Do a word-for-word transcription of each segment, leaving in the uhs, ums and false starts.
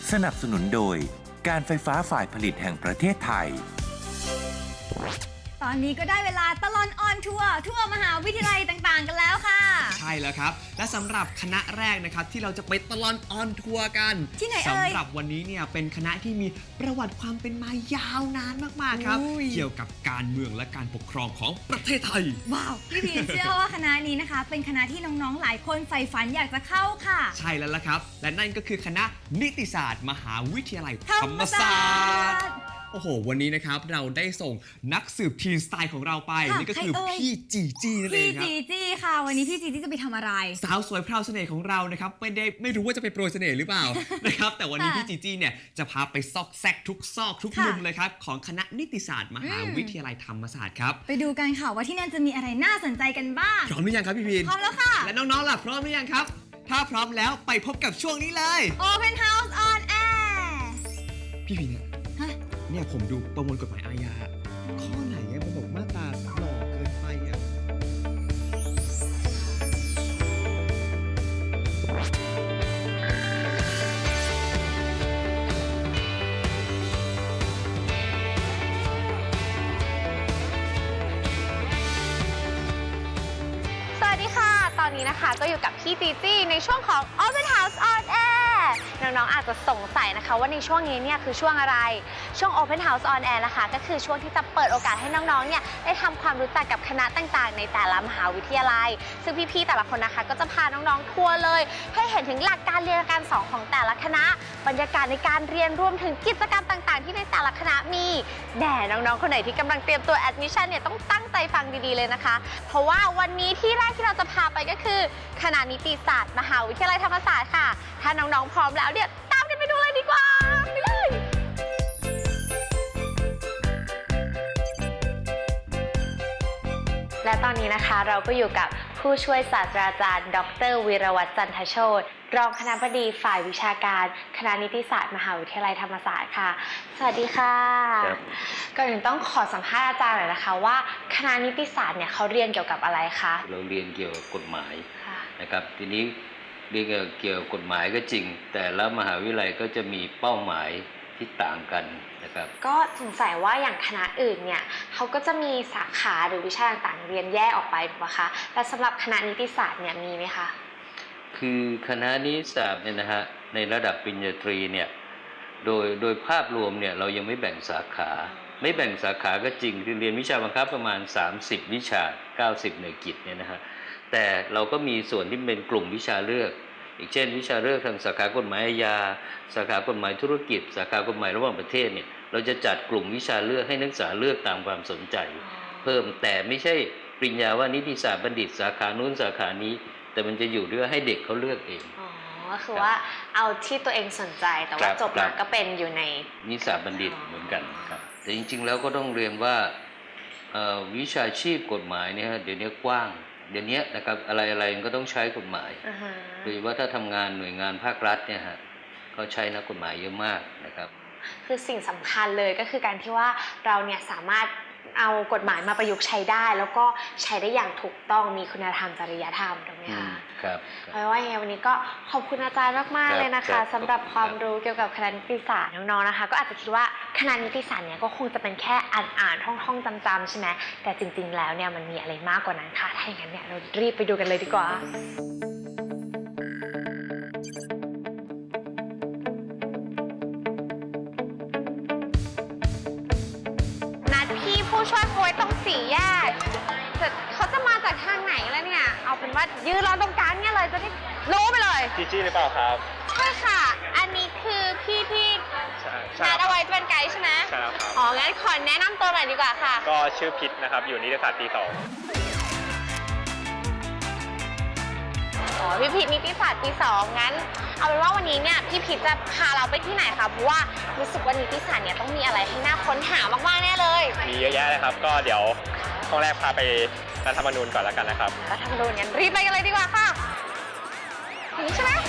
สนับสนุนโดยการไฟฟ้าฝ่ายผลิตแห่งประเทศไทยตอนนี้ก็ได้เวลาตลอดออนทัวร์ทั่วมหาวิทยาลัยต่างๆกันแล้วค่ะใช่แล้วครับและสำหรับคณะแรกนะครับที่เราจะไปตลอดออนทัวร์กันที่ไหนเอ่ยสำหรับวันนี้เนี่ยเป็นคณะที่มีประวัติความเป็นมายาวนานมากๆครับเกี่ยวกับการเมืองและการปกครองของประเทศไทยว้าวพี่พีเชื่อว่าคณะนี้นะคะเป็นคณะที่น้องๆหลายคนใฝ่ฝันอยากจะเข้าค่ะใช่แล้วล่ะครับและนั่นก็คือคณะนิติศาสตร์มหาวิทยาลัยธรรมศาสตร์โอ้โหวันนี้นะครับเราได้ส่งนักสืบทีนสไตล์ของเราไปนี่ก็คือพี่จีจีนั่นเองครับพี่จีจีค่ะวันนี้พี่จีจีจะไปทำอะไรสาวสวยพราวเสน่ห์ของเรานะครับไม่ได้ไม่รู้ว่าจะไปโปรยเสน่ห์หรือเปล่า นะครับแต่วันนี้พี่จีจีเนี่ยจะพาไปซอกแซกทุกซอกทุกมุมเลยครับของคณะนิติศาสตร์มหาวิทยาลัยธรรมศาสตร์ครับไปดูกันค่ะว่าที่นั่นจะมีอะไรน่าสนใจกันบ้างพร้อมหรือยังครับพี่พีนพร้อมแล้วค่ะและน้องๆล่ะพร้อมหรือยังครับถ้าพร้อมแล้วไปพบกับช่วงนี้เลย Open House on Air พี่พีนเนี่ยเนี่ยผมดูประมวลกฎหมายอาญาข้อไหนเนี่ยมันบอกมาตราหล่อเกินไปอ่ะสวัสดีค่ะตอนนี้นะคะก็อยู่กับพี่จีจี้ในช่วงของ Open House on Air น้องๆอาจจะสงสัยนะคะว่าในช่วงนี้เนี่ยคือช่วงอะไรช่วง Open House on Air นะคะก็คือช่วงที่จะเปิดโอกาสให้น้องๆเนี่ยได้ทำความรู้จักกับคณะต่างๆในแต่ละมหาวิทยาลัยซึ่งพี่ๆแต่ละคนนะคะก็จะพาน้องๆทัวร์เลยให้เห็นถึงหลักการเรียนการสอนของแต่ละคณะบรรยากาศในการเรียนรวมถึงกิจกรรมต่างๆที่ในแต่ละคณะมีแน่น้องๆคนไหนที่กำลังเตรียมตัว Admission เนี่ยต้องตั้งใจฟังดีๆเลยนะคะเพราะว่าวันนี้ที่แรกที่เราจะพาไปก็คือคณะนิติศาสตร์มหาวิทยาลัยธรรมศาสตร์ค่ะถ้าน้องๆพร้อมแล้วเนี่ยตามกันไปดูเลยดีกว่าไปเลยและตอนนี้นะคะเราก็อยู่กับผู้ช่วยศาสตราจารย์ดรวีรวัฒน์จันทโชติรองคณบดีฝ่ายวิชาการคณะนิติศาสตร์มหาวิทยาลัยธรรมศาสตร์ค่ะสวัสดีค่ะก่อนอื่นต้องขอสัมภาษณ์อาจารย์หน่อยนะคะว่าคณะนิติศาสตร์เนี่ยเขาเรียนเกี่ยวกับอะไรคะเราเรียนเกี่ยวกับกฎหมายนะครับทีนี้เรียนเกี่ยวกับกฎหมายก็จริงแต่ละมหาวิทยาลัยก็จะมีเป้าหมายที่ต่างกันนะครับก็สงสัยว่าอย่างคณะอื่นเนี่ยเขาก็จะมีสาขาหรือวิชาต่างๆเรียนแยกออกไปถูกไหมคะแต่สำหรับคณะนิติศาสตร์เนี่ยมีไหมคะคือคณะนิติศาสตร์เนี่ยนะฮะในระดับปริญญาตรีเนี่ยโดยโดยภาพรวมเนี่ยเรายังไม่แบ่งสาขาไม่แบ่งสาขาก็จริงคือเรียนวิชาบังคับประมาณสามสิบวิชาเก้าสิบหน่วยกิตเนี่ยนะฮะแต่เราก็มีส่วนที่เป็นกลุ่มวิชาเลือกอีกเช่นวิชาเลือกทางสาขากฎหมายอาญาสาขากฎหมายธุรกิจสาขากฎหมายระหว่างประเทศเนี่ยเราจะจัดกลุ่มวิชาเลือกให้นักศึกษาเลือกตามความสนใจเพิ่มแต่ไม่ใช่ปริญญาว่านิติศาสตร์บัณฑิตสาขานู้นสาขานี้แต่มันจะอยู่ด้วยให้เด็กเขาเลือกเองอ๋อก็คือว่าเอาที่ตัวเองสนใจแต่ว่าจบมาก็เป็นอยู่ในนิติศาสตร์บัณฑิตเหมือนกันครับแต่จริงๆแล้วก็ต้องเรียนว่าวิชาชีพกฎหมายเนี่ยเดี๋ยวนี้กว้างเดี๋ยวนี้นะครับอะไรๆก็ต้องใช้กฎหมายโดยเฉพาะถ้าทำงานหน่วยงานภาครัฐเนี่ยฮะเขาใช้นักกฎหมายเยอะมากนะครับคือสิ่งสำคัญเลยก็คือการที่ว่าเราเนี่ยสามารถเอากฎหมายมาประยุกต์ใช้ได้แล้วก็ใช้ได้อย่างถูกต้องมีคุณธรรมจริยธรรมถูกไหมคะครับเพราะว่าวันนี้ก็ขอบคุณอาจารย์มากๆเลยนะคะสำหรับความรู้เกี่ยวกับคณะนิติศาสตร์น้องๆนะคะก็อาจจะคิดว่าคณะนิติศาสตร์เนี่ยก็คงจะเป็นแค่อ่านๆท่องๆจำๆใช่ไหมแต่จริงๆแล้วเนี่ยมันมีอะไรมากกว่านั้นค่ะถ้าอย่างนั้นเนี่ยเรารีบไปดูกันเลยดีกว่าผู้ช่วยคุยตรงสี่แยกเขาจะมาจากทางไหนแล้วเนี่ยเอาเป็นว่ายืนรอตรงกลางเนี่ยเลยจะได้รู้ไปเลยจีจี้หรือเปล่าครับใช่ค่ะอันนี้คือพี่ที่นัดเอาไว้เป็นไกด์ใช่ไหมใช่แล้วครับอ๋องั้นขอแนะนำตัวหน่อยดีกว่าค่ะก็ชื่อพิษนะครับอยู่นิติศาสตร์ปีสองอ๋อพี่พิษนิติศาสตร์ปีสองงั้นเอาเป็นว่าวันนี้เนี่ยพี่พิษจะพาเราไปที่ไหนคะเพราะว่ารู้สึกว่านิติศาสตร์เนี่ยต้องมีอะไรให้น่าค้นหามากๆแน่เลยมีเยอะแยะเลยครับก็เดี๋ยวห้องแรกพาไปรัฐธรรมนูญก่อนแล้วกันนะครับรัฐธรรมนูญงั้นรีบไปกันเลยดีกว่าค่ะถึงใช่ไหม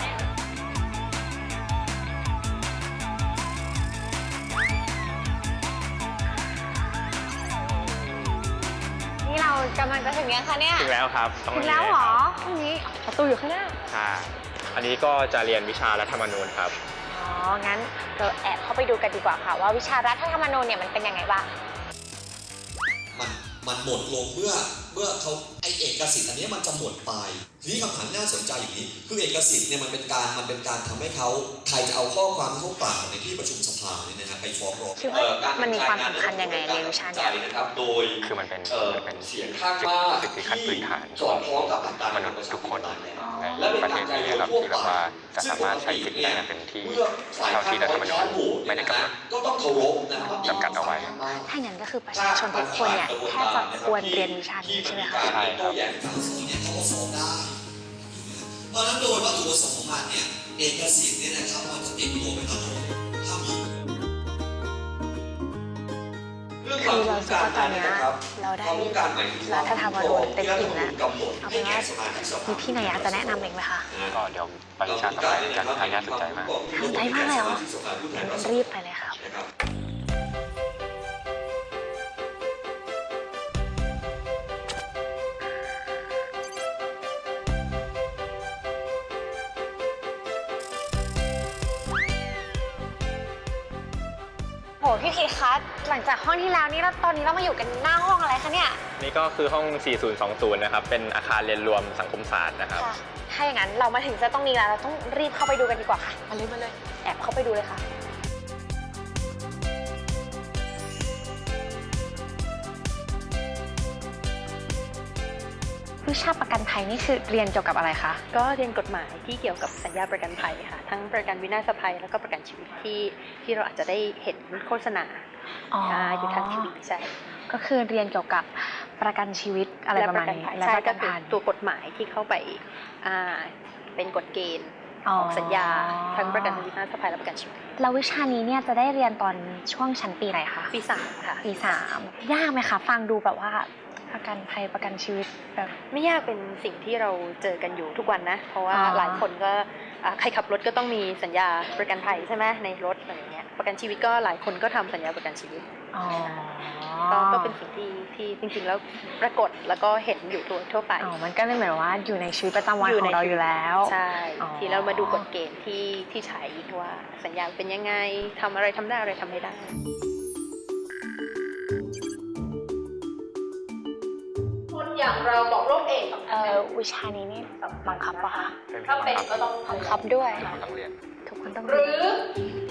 นี่เรากำลังจะถึงยังคะเนี่ยถึงแล้วครับถึงแล้วเหรอตรงนี้ประตูอยู่ข้างหน้าค่ะอันนี้ก็จะเรียนวิชารัฐธรรมนูญครับอ๋องั้นเราแอบเข้าไปดูกันดีกว่าค่ะว่าวิชารัฐธรรมนูญเนี่ยมันเป็นยังไงบ้างมันมันหมดลงเมื่อเมื่อเขาไอเอกสิทธิ์อันนี้มันจะหมดไปทีนี้คำถามน่าสนใจอย่างนี้คือเอกสิทธิ์เนี่ยมันเป็นการมันเป็นการทำให้เขาใครจะเอาข้อความที่เขากล่าวในที่ประชุมสภาเนี่ยนะฮะไปฟ้องร้องคิดว่ามันมีความสำคัญยังไงในวิชานี้นะครับโดยคือมันเป็นเอ่อมันเป็นเสียงข้างมากสิทธิขั้นพื้นฐานสอดคล้องกับหลักการมนุษย์ทุกคนและในเป็นประเทศนี้ครับที่แบบว่าจะสามารถใช้สิทธิได้อย่างเต็มที่เท่าที่รัฐธรรมนูญไม่ได้กำหนดก็ต้องเคารพนะครับจำกัดเอาไว้ถ้าอย่างนั้นก็คือประชาชนทุกคนเนี่ยแค่จะควรเรียนวิชานี้ใช่ไหมคะใช่ครับเนี่ยเขาก็ฟ้องได้เพราะฉะนั้นโดยวัตถุประสงค์ของมันเนี่ยเอกสิทธิ์เนี่ยนะครับมันจะติดตัวไปตลอดถ้ามีคือเราคิดว่าตอนเนี้ยเราได้รัฐธรรมนูญเต็มอิ่มแล้วเอาเป็นว่ามีพี่นายะจะแนะนำเองไหมคะก็เดี๋ยวไปวิชาต่อไปกันทางน่าสนใจมากสนใจมากเลยเหรองั้นรีบไปเลยครับ โหพี่พีคะหลังจากห้องที่แล้วนี่แล้วตอนนี้เรามาอยู่กันหน้าห้องอะไรคะเนี่ยนี่ก็คือห้อง สี่ศูนย์สองศูนย์ นะครับ เป็นอาคารเรียนรวมสังคมศาสตร์นะครับค่ะ ถ้าอย่างนั้นเรามาถึงจะต้องนี้แล้วเราต้องรีบเข้าไปดูกันดีกว่าค่ะ มาเลยมาเลย แอบเข้าไปดูเลยค่ะ วิชาประกันภัยนี่คือเรียนเกี่ยวกับอะไรคะก็เรียนกฎหมายที่เกี่ยวกับสัญญาประกันภัยค่ะ ทั้งประกันวินาศภัยแล้วก็ประกันชีวิตที่ที่เราอาจจะได้เห็นโฆษณาอ๋ออ่าอยู่ทางทีวีใช่ก็คือเรียนเกี่ยวกับประกันชีวิตอะไรประมาณนี้และและปประ ระกักัน นภัยภัใช่ยก็คือตัวกฎหมายที่เข้าไปอ่าเป็นกฎเกณฑ์อ๋อของสัญญาทั้งประกันวินาศภัยและประกันชีวิตแล้ววิชานี้เนี่ยจะได้เรียนตอนช่วงชั้นปีไหนคะปีสามค่ะปีสามยากไหมคะฟังดูแบบว่าประกันภัยประกันชีวิตแบบไม่ยากเป็นสิ่งที่เราเจอกันอยู่ทุกวันนะ เพราะว่าอ๋อหลายคนก็อ่าใครขับรถก็ต้องมีสัญญาประกันภัยใช่ไหมในรถอะไรเงี้ยประกันชีวิตก็หลายคนก็ทำสัญญาประกันชีวิตอ๋อก็ก็เป็นสิ่งที่ที่จริงๆแล้วปรากฏแล้วก็เห็นอยู่ทั่วทั่วไปอ๋อมันก็เลยเหมือนว่าอยู่ในชีวิตประจำวันอยู่ขอในงเราอยู่แล้วใช่อ๋อที่เรามาดูกฎเกณฑ์ที่ที่ใช้ว่าสัญญาเป็นยังไงทำอะไรทำได้อะไรทำไม่ได้คนอย่างเราบอกโรคเอดส์เอ่อวิชานี้นี่บังคับปะคะถ้าเป็นก็ต้องบังคับด้วยต้องเรียนทุกคนต้องหเรีรืยนอ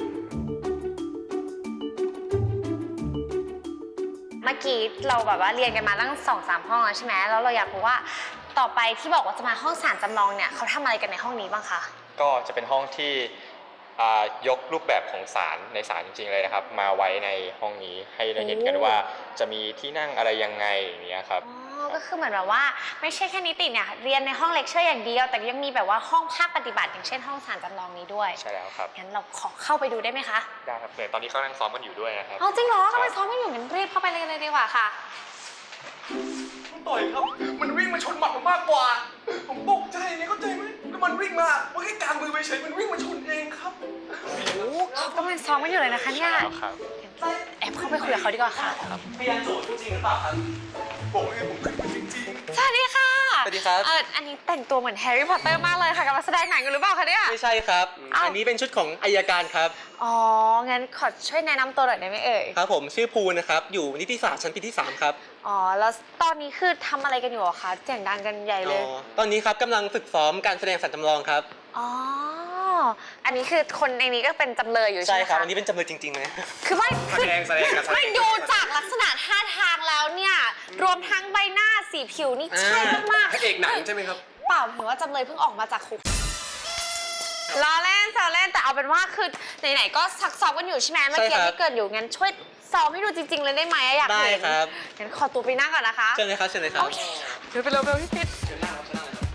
เมื่อกี้เราแบบว่าเรียนกันมาตั้งสองสามห้องแล้วใช่ไหมแล้วเราอยากรู้ว่าต่อไปที่บอกว่าจะมาห้องศาลจำลองเนี่ยเขาทำอะไรกันในห้องนี้บ้างคะก็จะเป็นห้องที่อ่ายกรูปแบบของศาลในศาลจริงๆเลยนะครับ มาไว้ในห้องนี้ให้ได้เห็นกันว่าจะมีที่นั่งอะไรยังไงอย่างเงี้ยครับอ๋อ ก็คือเหมือนแบบว่าไม่ใช่แค่นิติเนี่ยเรียนในห้องเลคเชอร์อย่างเดียว แต่ยังมีแบบว่าห้องภาคปฏิบัติอย่างเช่นห้องศาลจำลองนี้ด้วยใช่แล้วครับงั้นเราขอเข้าไปดูได้ไหมคะได้ครับเนี่ยตอนนี้เขานั่งซ้อมกันอยู่ด้วยนะครับเอาจริงเหรอกำลังซ้อมกันอยู่งั้นรีบเข้าไปเลยเลยดีกว่าค่ะต่อยครับ มันวิ่งมาชนหมัดผมมากกว่า ผมตกใจเนี่ยเข้าใจไหมแล้วมันวิ่งมามันแค่กางมือไปเฉยมันวิ่งมาชนเองครับโอ้เขากำลังซ้อมกันอยู่เลยนะคะเนี่ยแล้วครับแอบเข้าไปคุยกับเขาดีกว่าค่ะพยานโจทย์จริงหรือเปล่าครับบอกเลยผมขึ้นมาจริงสวัสดีค่ะสวัสดีครับเอออันนี้แต่งตัวเหมือนแฮร์รี่พอตเตอร์มากเลยค่ะกำลังแสดงหนังอยู่หรือเปล่าคะเนี่ยไม่ใช่ครับอ้าวอันนี้เป็นชุดของอัยการครับอ๋อ งั้นขอช่วยแนะนำตัวหน่อยได้ไหมเอ่ยครับผมชื่อภูนะครับ อยู่นิติศาสตร์ชั้นปีที่สามครับอ๋อ แล้วตอนนี้คือทำอะไรกันอยู่อะคะเสียงดังกันใหญ่เลยอ๋อตอนนี้ครับกำลังฝึกซ้อมการแสดงสันจำลองครับอ๋อ อันนี้คือคนในนี้ก็เป็นจำเลยอยู่ใช่ใช่ไหมครับคะอันนี้เป็นจำเลยจริงๆเลยคือไม่แสดงแสดงกันแสดงไม่ดูจากลักษณะท่าทางแล้วเนี่ย รวมทั้งใบหน้าสีผิวนี่ใช่มากๆพระเอกหนังใช่ไหมครับเปล่าเห็นว่าจำเลยเพิ่งออกมาจากคุกล้อเล่นแซวเล่นแต่เอาเป็นว่าคือไหนๆก็ซักซ้อมกันอยู่ใช่ไหมเมื่อกี้ใช่ครับที่เกิดอยู่งั้นช่วยซ้อมให้ดูจริง ๆ เลยได้ไหมอะอยากได้เห็นครับงั้นขอตัวไปนั่งก่อนนะคะเชิญเลยครับเชิญเลยครับโอเคเดี๋ยวไปเร็วๆพี่พิษเชิญนั่งครับเชิญนั่งเลยครับ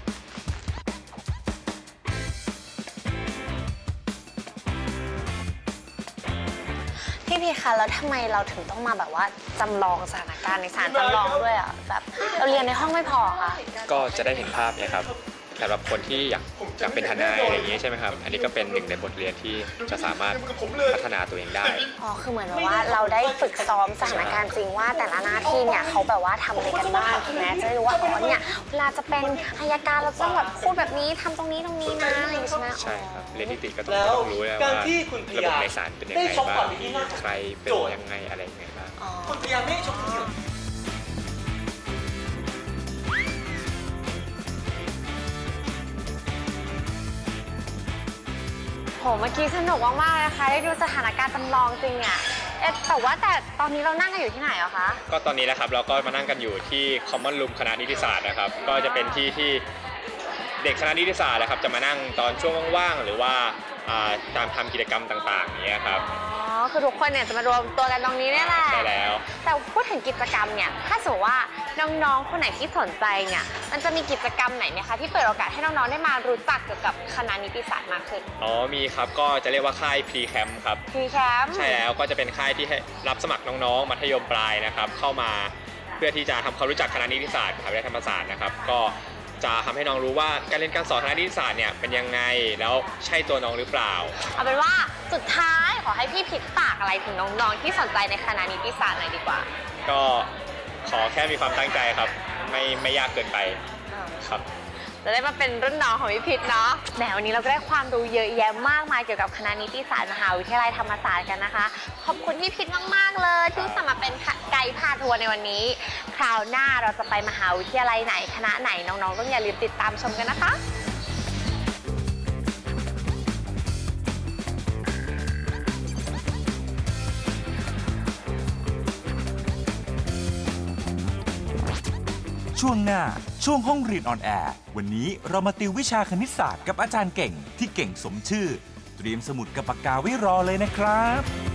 พี่พีคะแล้วทำไมเราถึงต้องมาแบบว่าจำลองสถานการณ์ในศาลจำลองด้วยอ่ะแบบเราเรียนในห้องไม่พอค่ะก็จะได้เห็นภาพเนี่ยครับสำหรับคนที่อยากอยากเป็นทนายอะไรอย่างนี้ใช่ไหมครับ อันนี้ก็เป็นหนึ่งในบทเรียนที่จะสามารถพัฒนาตัวเองได้อ๋อ คือเหมือนแบบว่าเราได้ฝึกซ้อมสถานการณ์จริงว่าแต่ละหน้าที่เนี่ยเขาแบบว่าทำอะไรกันบ้างถูกไหมจะได้รู้ว่าอ๋อเนี่ยเวลาจะเป็นอัยการเราต้องแบบพูดแบบนี้ทำตรงนี้ตรงนี้นะอะไรอย่างงี้ใช่ไหมใช่ครับเรียนนิติก็ต้องก็ต้องรู้แล้วว่าระบบในศาลเป็นยังไงบ้างใครเป็นยังไงอะไรยังไงบ้างคุณพยายามไม่ให้ชมโห เมื่อกี้สนุกมากๆเลยนะคะได้ดูสถานการณ์จำลองจริงอ่ะเอ๊ะแต่ว่าแต่ตอนนี้เรานั่งกันอยู่ที่ไหนอะคะก็ตอนนี้นะครับเราก็มานั่งกันอยู่ที่ Common Room คณะนิติศาสตร์นะครับก็จะเป็นที่ที่เด็กคณะนิติศาสตร์นะครับจะมานั่งตอนช่วงว่างๆหรือว่าตามทำกิจกรรมต่างๆอย่างเงี้ยครับอ๋อ คือทุกคนเนี่ยจะมารวมตัวกันตรงนี้เนี่ยแหละใช่แล้วแต่พูดถึงกิจกรรมเนี่ยถ้าสมมติว่าน้องๆคนไหนที่สนใจเนี่ยมันจะมีกิจกรรมไหนไหมคะที่เปิดโอกาสให้น้องๆได้มารู้จักเกี่ยวกับคณะนิติศาสตร์มากขึ้นอ๋อมีครับก็จะเรียกว่าค่าย Pre Camp ครับ Pre Camp ใช่แล้วก็จะเป็นค่ายที่ให้รับสมัครน้องๆมัธยมปลายนะครับเข้ามาเพื่อที่จะทำความรู้จักคณะนิติศาสตร์มหาวิทยาลัยธรรมศาสตร์นะครับก็จะทำให้น้องรู้ว่าการเรียนการสอนคณะนิติศาสตร์เนี่ยเป็นยังไงแล้วใช่ตัวน้องหรือเปล่าเอาเป็นว่าสุดท้ายขอให้พี่พิษฝากอะไรถึงน้องๆที่สนใจในคณะนิติศาสตร์หน่อยดีกว่าก็ขอแค่มีความตั้งใจครับไม่ไม่ยากเกินไปครับจะได้มาเป็นรุ่นน้องของพี่พิษเนาะแหมวันนี้เราก็ได้ความรู้เยอะแยะมากมายเกี่ยวกับคณะนิติศาสตร์มหาวิทยาลัยธรรมศาสตร์กันนะคะขอบคุณพี่พิษมากๆเลยที่สมัครเป็นไกด์พาทัวร์ในวันนี้คราวหน้าเราจะไปมหาวิทยาลัยไหนคณะไหนน้องๆต้องอย่าลืมติดตามชมกันนะคะช่วงหน้าช่วงห้องเรียนออนแอร์วันนี้เรามาติววิชาคณิตศาสตร์กับอาจารย์เก่งที่เก่งสมชื่อเตรียมสมุดกับปากกาไว้รอเลยนะครับ